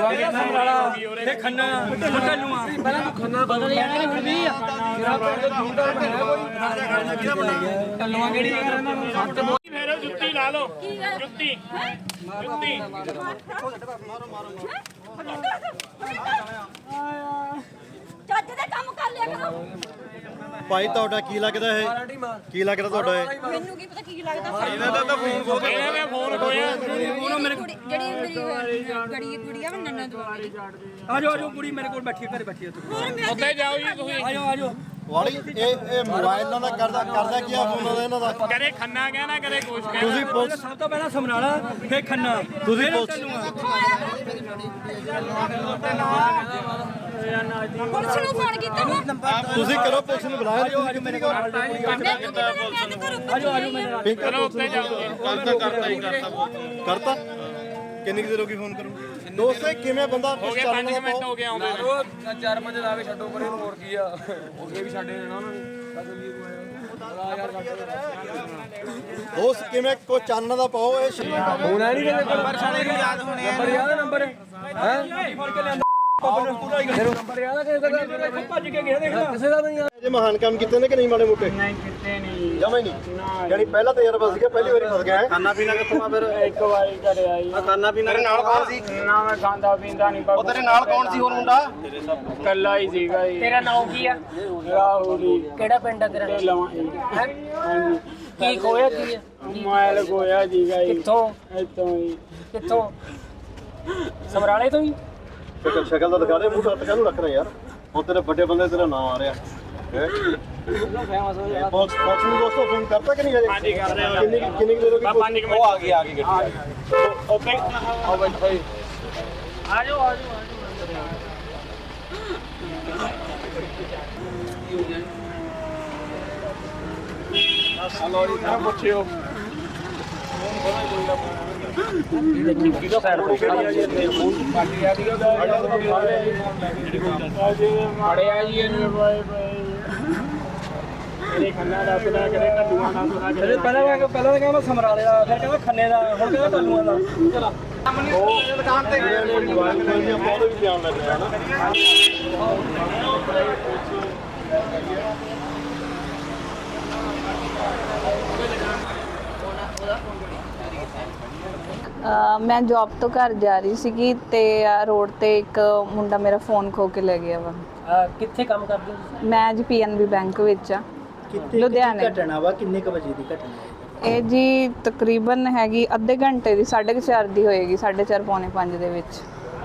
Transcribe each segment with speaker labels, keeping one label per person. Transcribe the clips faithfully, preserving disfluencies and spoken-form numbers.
Speaker 1: ਸਮਰਾਲਾ ਤੇ ਖੰਨਾ ਕੱਲੂਆ ਪਹਿਲਾਂ ਤੂੰ ਖੰਨਾ ਬਦਲ ਜਾਣਾ ਹੁਣ ਵੀ ਆ ਮੇਰਾ ਪਿੰਡ ਹੁੰਦਾ ਬਣਿਆ ਕੋਈ ਕੱਲੂਆ ਕਿਹੜੀ
Speaker 2: ਫੇਰ ਜੁੱਤੀ ਲਾ ਲਓ ਜੁੱਤੀ ਜੁੱਤੀ
Speaker 3: ਚੱਜ ਦੇ ਕੰਮ ਕਰ ਲਿਆ ਕਰੋ।
Speaker 4: ਭਾਈ ਤੁਹਾਡਾ ਕੀ ਲੱਗਦਾ ਇਹ ਕੀ ਲੱਗਦਾ ਤੁਹਾਡਾ ਇਹ
Speaker 3: ਮੈਨੂੰ ਕੀ ਪਤਾ ਕੀ ਲੱਗਦਾ
Speaker 2: ਇਹਨਾਂ ਦਾ ਤਾਂ ਫੋਨ ਖੋ ਗਿਆ ਇਹਨਾਂ ਦਾ ਫੋਨ ਖੋਇਆ
Speaker 3: ਕੁੜੀ ਜਿਹੜੀ ਮੇਰੀ ਗੜੀ ਕੁੜੀ ਆ ਨੰਨਾ ਤੋਂ
Speaker 1: ਆਜੋ ਆਜੋ ਕੁੜੀ ਮੇਰੇ ਕੋਲ ਬੈਠੀ ਘਰੇ ਬੈਠੀ
Speaker 2: ਉੱਥੇ ਜਾਓ ਜੀ ਤੁਸੀਂ
Speaker 1: ਆਜੋ ਆਜੋ
Speaker 4: ਵਾਲੀ ਇਹ ਇਹ ਮੋਬਾਈਲ ਨਾਲ ਦਾ ਕਰਦਾ ਕਰਦਾ ਕੀ ਆ ਫੋਨ ਉਹਦਾ ਇਹਨਾਂ ਦਾ
Speaker 2: ਕਦੇ ਖੰਨਾ ਕਹਿਣਾ ਕਦੇ ਕੁਛ ਕਹਿਣਾ
Speaker 4: ਤੁਸੀਂ ਪੁਲਿਸ
Speaker 1: ਸਭ ਤੋਂ ਪਹਿਲਾਂ ਸਮਰਾਲਾ ਫੇਰ ਖੰਨਾ
Speaker 4: ਤੁਸੀਂ ਪੁਲਿਸ
Speaker 3: ਪੁਲਿਸ ਨੂੰ ਫੋਨ ਕੀਤਾ ਵਾ
Speaker 4: ਤੁਸੀਂ ਕਰੋ ਪੁਲਿਸ ਨੂੰ ਬੁਲਾਇਆ ਤੁਸੀਂ ਕਿੱਥੇ ਨਹੀਂ
Speaker 1: ਆਜੋ ਆਜੋ ਮੇਰੇ ਨਾਲ
Speaker 2: ਚਲੋ ਉੱਤੇ ਜਾਓ ਕਰਤਾ ਕਰਤਾ ਹੀ ਕਰਤਾ
Speaker 4: ਕਰਤਾ ਕਿੰਨੀ ਦੇਰ ਹੋ ਗਈ ਫੋਨ ਕਰੂ ਦੋਸਤੇ ਕਿਵੇਂ ਬੰਦਾ
Speaker 2: ਹੋ ਗਏ ਪੰਜ ਮਿੰਟ ਹੋ ਗਏ ਆਉਂਦੇ
Speaker 5: ਉਹ ਚਾਰ ਪੰਜ ਲਾਵੇ ਛੱਡੋ ਪਰੇ ਨੂੰ ਹੋਰ ਕੀ ਆ ਅੱਗੇ ਵੀ ਛੱਡੇ ਨਾ ਉਹਨਾਂ ਨੇ
Speaker 4: ਦੋਸਤ ਕਿਵੇਂ ਕੋ ਚਾਨਣਾ ਦਾ ਪਾਓ ਇਹ
Speaker 5: ਹੋਣਾ ਨਹੀਂ ਕਿਤੇ ਨੰਬਰ ਸਾਡੇ ਨੂੰ ਯਾਦ ਹੋਣੇ ਆ ਨੰਬਰ ਯਾਦ ਨੰਬਰ ਹੈ ਨੰਬਰ ਯਾਦ ਆ ਕਿਸੇ ਦਾ
Speaker 1: ਭੱਜ ਕੇ ਗਿਆ ਦੇਖ ਲੈ
Speaker 5: ਕਿਸੇ ਦਾ ਨਹੀਂ
Speaker 4: ਜੇ ਮਹਾਨ ਕੰਮ ਕੀਤੇ ਨੇ ਕਿ ਨਹੀਂ ਮਾੜੇ ਮੋਟੇ
Speaker 2: ਨਹੀਂ ਕਿਤੇ ਨਹੀਂ
Speaker 4: ਜਮਾ ਹੀ ਨਹੀਂ ਯਾਨੀ ਪਹਿਲਾ ਤਜਰਬਾ ਸੀਗਾ ਪਹਿਲੀ ਵਾਰੀ ਫਸ ਗਿਆ
Speaker 5: ਖਾਣਾ ਪੀਣਾ ਕਿੱਥੋਂ ਆ ਫਿਰ
Speaker 2: ਇੱਕ ਵਾਰੀ ਘਰੇ ਆਈ
Speaker 5: ਆ ਖਾਣਾ ਪੀਣਾ ਤੇਰੇ ਨਾਲ ਕੌਣ ਸੀ
Speaker 2: ਨਾ ਮੈਂ ਖਾਂਦਾ ਪੀਂਦਾ ਨਹੀਂ
Speaker 5: ਉਹ ਤੇਰੇ ਨਾਲ ਕੌਣ ਸੀ ਹੋਰ ਮੁੰਡਾ
Speaker 2: ਕੱਲਾ ਹੀ ਸੀਗਾ ਜੀ
Speaker 6: ਤੇਰਾ ਨਾਮ ਕੀ ਆ
Speaker 2: ਰਾਹੁਲੀ
Speaker 6: ਕਿਹੜਾ ਪਿੰਡ ਆ ਤੇਰਾ
Speaker 2: ਲਵਾਂ
Speaker 6: ਹੈ ਕੀ ਖੋਇਆ ਕੀ ਆ
Speaker 2: ਮਾਇਲ ਗੋਇਆ ਜੀਗਾ ਜੀ
Speaker 6: ਕਿੱਥੋਂ
Speaker 2: ਇੱਥੋਂ ਹੀ
Speaker 6: ਕਿੱਥੋਂ ਸਮਰਾਲੇ ਤੋਂ ਹੀ
Speaker 4: ਸ਼ਕਲ ਸ਼ਕਲ ਦਾ ਦਿਖਾ ਦੇ ਮੂੰਹ ਹੱਥ ਕਾਹਨੂੰ ਰੱਖ ਰਿਹਾ ਯਾਰ ਹੁਣ ਤੇਰੇ ਵੱਡੇ ਬੰਦੇ ਤੇਰਾ ਨਾਮ ਆ ਰਿਹਾ ਹੈ ਪੁਲਿਸ ਪੁਲਿਸ ਨੂੰ ਦੋਸਤੋ ਫੋਨ ਕਰਤਾ ਕਿ ਨਹੀਂ ਹਜੇ
Speaker 2: ਹਾਂਜੀ ਕਰ ਰਹੇ ਹਾਂ
Speaker 4: ਕਿੰਨੀ ਕਿੰਨੀ ਕੁ ਦੇਰ ਹੋ ਗਈ
Speaker 2: ਪੰਜ ਮਿੰਟ
Speaker 5: ਉਹ ਆ ਗਈ ਆ ਗਈ ਗੱਡੀ
Speaker 2: ਉੱਤੇ
Speaker 5: ਆਓ ਬੈਠੋ ਜੀ
Speaker 6: ਆਜੋ ਆਜੋ
Speaker 2: ਹਲੋ ਜੀ ਤਾਂ ਪੁੱਛਿਓ
Speaker 6: ਕਿਹਦਾ ਸਾਈਡ ਤੋਂ
Speaker 2: ਕਿਹੜੀ ਆ ਜੀ ਇੱਥੇ ਪਾਰਟੀ ਆ ਦੀ ਮਾੜਿਆ ਜੀ ਇਹਨੂੰ ਬਾਏ ਬਾਏ ਇਹ ਖੰਨਾ ਦਾ ਪਤਾ ਕਰੇ ਕੱਲੂਆਂ ਦਾ ਪਤਾ ਕਰੇ
Speaker 1: ਪਹਿਲਾਂ ਮੈਂ ਪਹਿਲਾਂ ਤਾਂ ਕਹਿੰਦਾ ਸਮਰਾਲੇ ਦਾ ਫਿਰ ਕਹਿੰਦਾ ਖੰਨੇ ਦਾ ਹੁਣ ਕਹਿੰਦਾ ਕੱਲੂਆਂ ਦਾ ਚਲਾ
Speaker 4: ਉਹ ਦੁਕਾਨ ਤੇ ਮੋਬਾਈਲ ਫੋਨ ਦੀਆਂ ਬਹੁਤ ਵੀ ਧਿਆਨ ਲੱਗ ਰਿਹਾ ਨਾ
Speaker 7: ਮੈਂ ਜੌਬ ਤੋਂ ਘਰ ਜਾ ਰਹੀ ਸੀਗੀ ਤੇ ਰੋਡ ਤੇ ਇੱਕ ਮੁੰਡਾ ਮੇਰਾ ਫੋਨ ਖੋ ਕੇ ਲੈ ਗਿਆ ਵਾ
Speaker 6: ਕਿੱਥੇ ਕੰਮ ਕਰਦੇ ਹੋ
Speaker 7: ਮੈਂ ਜੀ ਪੀਐਨਬੀ ਬੈਂਕ ਵਿੱਚ ਆ ਲੁਧਿਆਣੇ
Speaker 1: ਘਟਨਾ ਵਾ ਕਿੰਨੇ ਕ ਵਜੇ ਦੀ ਘਟਨਾ ਹੈ
Speaker 7: ਇਹ ਜੀ ਤਕਰੀਬਨ ਹੈਗੀ ਅੱਧੇ ਘੰਟੇ ਦੀ ਸਾਢੇ ਕੁ ਚਾਰ ਦੀ ਹੋਏਗੀ ਸਾਢੇ ਚਾਰ ਪੌਣੇ ਪੰਜ ਦੇ ਵਿੱਚ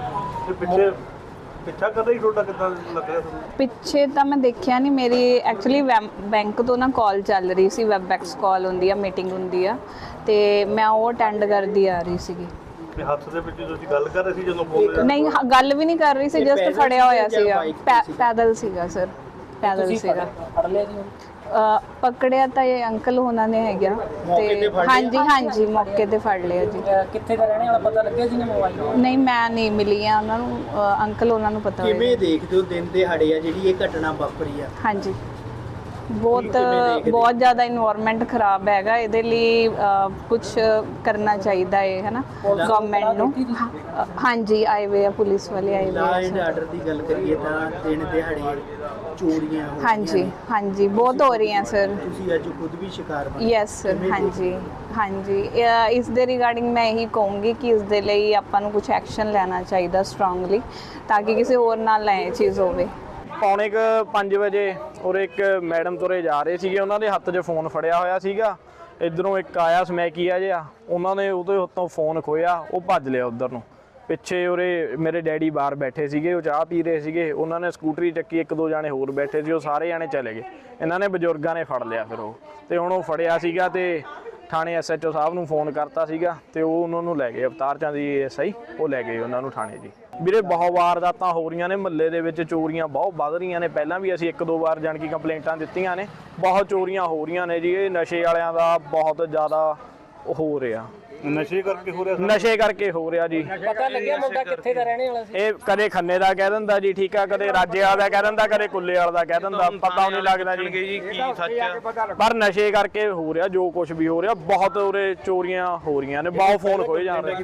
Speaker 4: ਪਿੱਛੇ ਪਿੱਛਾ ਕਰ ਰਹੀ ਤੁਹਾਡਾ ਕਿੱਦਾਂ ਲੱਗ ਰਿਹਾ ਤੁਹਾਨੂੰ
Speaker 7: ਪਿੱਛੇ ਤਾਂ ਮੈਂ ਦੇਖਿਆ ਨਹੀਂ ਮੇਰੀ ਐਕਚੁਅਲੀ ਬੈਂਕ ਤੋਂ ਨਾ ਕਾਲ ਚੱਲ ਰਹੀ ਸੀ ਵੈਬਐਕਸ ਕਾਲ ਹੁੰਦੀ ਆ ਮੀਟਿੰਗ ਹੁੰਦੀ ਆ ਤੇ ਮੈਂ ਉਹ ਅਟੈਂਡ ਕਰਦੀ ਆ ਰਹੀ ਸੀਗੀ
Speaker 4: ਤੇ ਹੱਥ ਦੇ ਵਿੱਚ ਤੁਸੀਂ ਗੱਲ ਕਰ ਰਹੇ ਸੀ ਜਦੋਂ ਫੋਨ
Speaker 7: ਨਹੀਂ ਹ- ਗੱਲ ਵੀ ਨਹੀਂ ਕਰ ਰਹੀ ਸੀ ਜਸਟ ਫੜਿਆ ਹੋਇਆ ਸੀਗਾ ਪੈ- ਪੈਦਲ ਸੀਗਾ ਸਰ ਪੈਦਲ ਸੀਗਾ
Speaker 6: ਫੜ ਲਿਆ ਜੀ
Speaker 7: ਅ, ਪਕੜਿਆ ਤਾਂ ਇਹ ਅੰਕਲ ਉਹਨਾਂ ਨੇ ਹੈਗਾ ਤੇ ਹਾਂਜੀ ਹਾਂਜੀ ਮੌਕੇ ਤੇ ਫੜ ਲਿਆ ਜੀ
Speaker 6: ਅਹ ਕਿੱਥੇ ਦਾ ਰਹਿਣੇ ਵਾਲਾ ਪਤਾ ਲੱਗਿਆ ਜੀ ਨੇ ਮੋਬਾਈਲ
Speaker 7: ਨਹੀਂ ਮੈਂ ਨਹੀਂ ਮਿਲੀ ਆ ਉਹਨਾਂ ਨੂੰ ਅ, ਅੰਕਲ ਉਹਨਾਂ ਨੂੰ ਪਤਾ ਹੋਏਗਾ।
Speaker 1: ਕਿਵੇਂ ਦੇਖਦੇ ਹੋ ਦਿਨ ਦਿਹਾੜੇ ਆ ਜਿਹੜੀ ਇਹ ਘਟਨਾ ਵਾਪਰੀ ਆ
Speaker 7: ਹਾਂਜੀ ਬਹੁਤ ਬਹੁਤ ਜ਼ਿਆਦਾ ਇਨਵਾਇਰਨਮੈਂਟ ਖਰਾਬ ਹੈਗਾ ਇਹਦੇ ਲਈ ਕੁਝ ਕਰਨਾ ਚਾਹੀਦਾ ਹੈ ਹੈ ਨਾ ਗਵਰਨਮੈਂਟ ਨੂੰ ਅ, ਹਾਂਜੀ ਆਏ ਵੇ ਆ ਪੁਲਿਸ ਵਾਲੇ ਆਏ ਵੇ
Speaker 1: ਲਾ
Speaker 7: ਆ
Speaker 1: ਐਂਡ ਆਰਡਰ ਦੀ ਗੱਲ ਕਰੀਏ ਤਾਂ ਦਿਨ ਦਿਹਾੜੇ ਚੋਰੀਆਂ ਹੋ
Speaker 7: ਹਾਂਜੀ ਹਾਂਜੀ ਬਹੁਤ ਹੋ ਰਹੀਆਂ ਸਰ
Speaker 1: ਤੁਸੀਂ ਅੱਜ ਖੁਦ ਵੀ ਸ਼ਿਕਾਰ ਬਣੇ
Speaker 7: ਯੈਸ ਸਰ ਹਾਂਜੀ ਹਾਂਜੀ ਅ, ਇਸ ਦੇ ਰਿਗਾਰਡਿੰਗ ਮੈਂ ਇਹੀ ਕਹੂੰਗੀ ਕਿ ਇਸ ਦੇ ਲਈ ਆਪਾਂ ਨੂੰ ਕੁਝ ਐਕਸ਼ਨ ਲੈਣਾ ਚਾਹੀਦਾ ਸਟਰੋਂਗਲੀ ਤਾਂ ਕਿ ਕਿਸੇ ਹੋਰ ਨਾਲ ਨਾ ਇਹ ਚੀਜ਼ ਹੋਵੇ
Speaker 8: ਪੌਣੇ ਕੁ ਪੰਜ ਵਜੇ ਔਰ ਇੱਕ ਮੈਡਮ ਤੁਰੇ ਜਾ ਰਹੇ ਸੀਗੇ ਉਹਨਾਂ ਦੇ ਹੱਥ 'ਚ ਫੋਨ ਫੜਿਆ ਹੋਇਆ ਸੀਗਾ ਇੱਧਰੋਂ ਇੱਕ ਆਇਆ ਸਮੈਕੀਆ ਜਿਹਾ ਉਹਨਾਂ ਨੇ ਉਹਦੇ ਹੱਥੋਂ ਫੋਨ ਖੋਇਆ ਉਹ ਭੱਜ ਲਿਆ ਉੱਧਰ ਨੂੰ ਪਿੱਛੇ ਉਰੇ ਮੇਰੇ ਡੈਡੀ ਬਾਹਰ ਬੈਠੇ ਸੀਗੇ ਉਹ ਚਾਹ ਪੀ ਰਹੇ ਸੀਗੇ ਉਹਨਾਂ ਨੇ ਸਕੂਟਰੀ ਚੱਕੀ ਇੱਕ ਦੋ ਜਾਣੇ ਹੋਰ ਬੈਠੇ ਸੀ ਉਹ ਸਾਰੇ ਜਾਣੇ ਚਲੇ ਗਏ ਇਹਨਾਂ ਨੇ ਬਜ਼ੁਰਗਾਂ ਨੇ ਫੜ ਲਿਆ ਫਿਰ ਉਹ ਤੇ ਹੁਣ ਉਹ ਫੜਿਆ ਸੀਗਾ ਤੇ ਥਾਣੇ ਐਸਐਚਓ ਸਾਹਿਬ ਨੂੰ ਫੋਨ ਕਰਤਾ ਸੀਗਾ ਤੇ ਉਹ ਉਹਨਾਂ ਨੂੰ ਲੈ ਗਏ ਅਵਤਾਰ ਚੰਦ ਜੀ ਐਸਆਈ ਉਹ ਲੈ ਗਏ ਉਹਨਾਂ ਨੂੰ ਥਾਣੇ ਜੀ ਵੀਰੇ ਬਹੁਤ ਵਾਰਦਾਤਾਂ ਹੋ ਰਹੀਆਂ ਨੇ ਮਹੱਲੇ ਦੇ ਵਿੱਚ ਚੋਰੀਆਂ ਬਹੁਤ ਵੱਧ ਰਹੀਆਂ ਨੇ ਪਹਿਲਾਂ ਵੀ ਅਸੀਂ ਇੱਕ ਦੋ ਵਾਰ ਜਾਣ ਕੀ ਕੰਪਲੇਂਟਾਂ ਦਿੱਤੀਆਂ ਨੇ ਬਹੁਤ ਚੋਰੀਆਂ ਹੋ ਰਹੀਆਂ ਨੇ ਜੀ ਇਹ ਨਸ਼ੇ ਵਾਲਿਆਂ ਦਾ ਬਹੁਤ ਜ਼ਿਆਦਾ ਹੋ ਰਿਹਾ
Speaker 4: ਨਸ਼ੇ ਕਰਕੇ ਹੋ ਰਿਹਾ
Speaker 8: ਨਸ਼ੇ ਕਰਕੇ ਹੋ ਰਿਹਾ ਜੀ
Speaker 6: ਪਤਾ ਲੱਗਿਆ ਮੁੰਡਾ ਕਿੱਥੇ ਦਾ ਰਹਿਣੇ ਵਾਲਾ ਸੀ
Speaker 8: ਇਹ ਕਦੇ ਖੰਨੇ ਦਾ ਕਹਿ ਦਿੰਦਾ ਜੀ ਠੀਕ ਆ ਕਦੇ ਰਾਜੇ ਵਾਲਾ ਦਾ ਕਹਿ ਦਿੰਦਾ ਕਦੇ ਕੁੱਲੇ ਵਾਲਾ ਦਾ ਕਹਿ ਦਿੰਦਾ ਪਤਾ ਨਹੀਂ ਲੱਗਦਾ ਜੀ
Speaker 5: ਕੀ ਸੱਚ
Speaker 8: ਪਰ ਨਸ਼ੇ ਕਰਕੇ ਹੋ ਰਿਹਾ ਜੋ ਕੁਝ ਵੀ ਹੋ ਰਿਹਾ ਬਹੁਤ ਉਰੇ ਚੋਰੀਆਂ ਹੋ ਰਹੀਆਂ ਨੇ ਬਹੁਤ ਫੋਨ ਖੋਏ ਜਾ ਰਹੇ